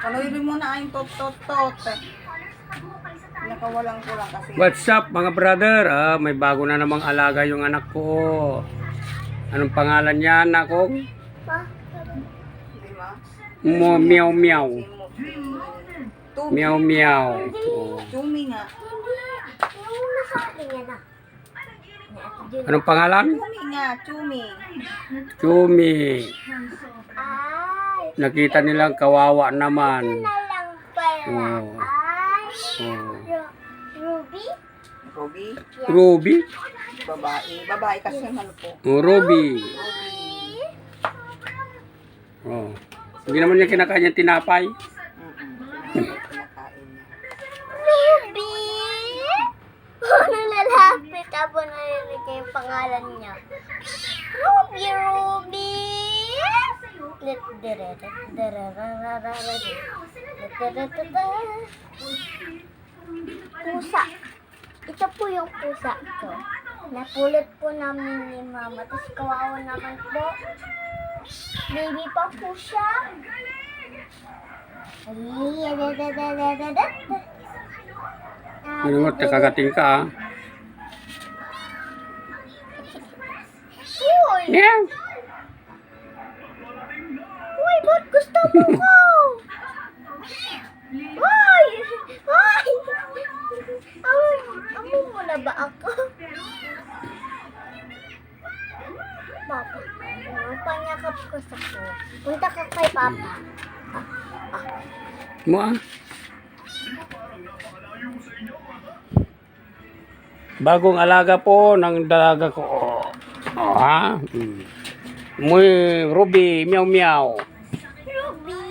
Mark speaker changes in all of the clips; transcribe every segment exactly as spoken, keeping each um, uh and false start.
Speaker 1: Panuloy mo na ang tot tot tot. Nakawalang kulang kasi.
Speaker 2: What's up mga brother? Ah, may bago na namang alaga yung anak ko. Anong pangalan niya, anak ko?
Speaker 1: Di ba?
Speaker 2: Mo meow meow.
Speaker 1: Tumi.
Speaker 2: Meow meow. Oh.
Speaker 1: Tumi nga.
Speaker 2: Anong pangalan?
Speaker 1: Tumi nga, Tumi.
Speaker 2: Chumi. Nakita nilang kawawa naman. Oh. Oh.
Speaker 3: Ruby?
Speaker 1: Ruby.
Speaker 2: Ruby?
Speaker 1: Babae. Babae kasi ano po.
Speaker 2: Oh, Ruby.
Speaker 1: Ruby.
Speaker 2: Oh. Hindi naman niya kinakain yung tinapay.
Speaker 1: Mm-mm. Kinakain niya.
Speaker 3: Ruby? Ano lalapit ako narinig yung pangalan niya? Ruby, Ruby! Let dire Pusa. Ito po yung pusa ko. Napulot po namin ni Mama. Tapos kawawa naman po. Baby pa po siya.
Speaker 2: Ano mo, kagating ka ah.
Speaker 3: Uy!
Speaker 2: Yeah.
Speaker 3: Uy, ba't gusto mo ko? Uy! Uy! Amo, amo mo na ba ako? Papa, panyakap ko sa ko. Punta ka kay Papa.
Speaker 2: Mo ah. Bagong alaga po ng dalaga ko. Oh, ha? Hmm. Muy Ruby, meow meow.
Speaker 3: Ruby!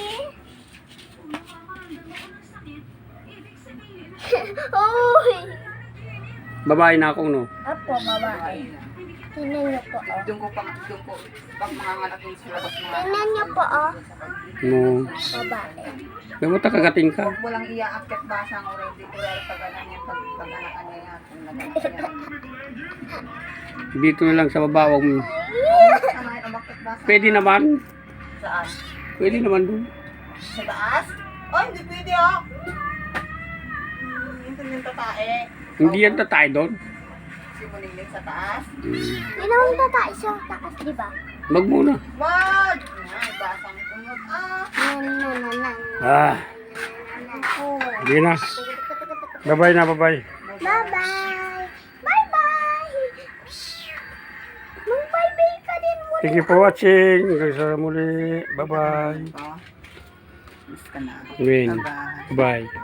Speaker 3: Uy!
Speaker 2: Babae na akong no.
Speaker 3: Apo, babae. Tingnan niyo po, oh.
Speaker 1: Doon ko pang doon ko pag manganganak yung sa labas mga.
Speaker 3: Tingnan niyo po, oh.
Speaker 2: No.
Speaker 3: Babae.
Speaker 2: Kaya mo kagating ka.
Speaker 1: Huwag mo lang iaakit basang already. Pero pag ano niya, pag pag anakan niya yan. Kung naganak niya.
Speaker 2: Dito na lang sa baba. Wag mo.
Speaker 1: Ano yung umakit basang?
Speaker 2: Pwede naman.
Speaker 1: Saan?
Speaker 2: Pwede naman doon.
Speaker 1: Sa taas? Oh, hindi pwede ah. Hindi yung tatae.
Speaker 2: Hindi yan tatay doon.
Speaker 1: Simuling sa taas.
Speaker 3: Hindi naman tatay sa taas, di ba?
Speaker 2: Wag muna.
Speaker 1: Wag! Ay, basang kumot. Ah!
Speaker 3: Nan, nan, nan, nan.
Speaker 2: Ah,
Speaker 3: Oh.
Speaker 2: hindi na. Bye-bye na, bye-bye.
Speaker 3: Bye-bye! Bye-bye! Mag-bye-bye ka din muna.
Speaker 2: Thank you for watching. Hanggang sa muli. Bye-bye.
Speaker 1: Oh. Miss ka na.
Speaker 2: Win.
Speaker 1: Bye-bye.
Speaker 2: Bye.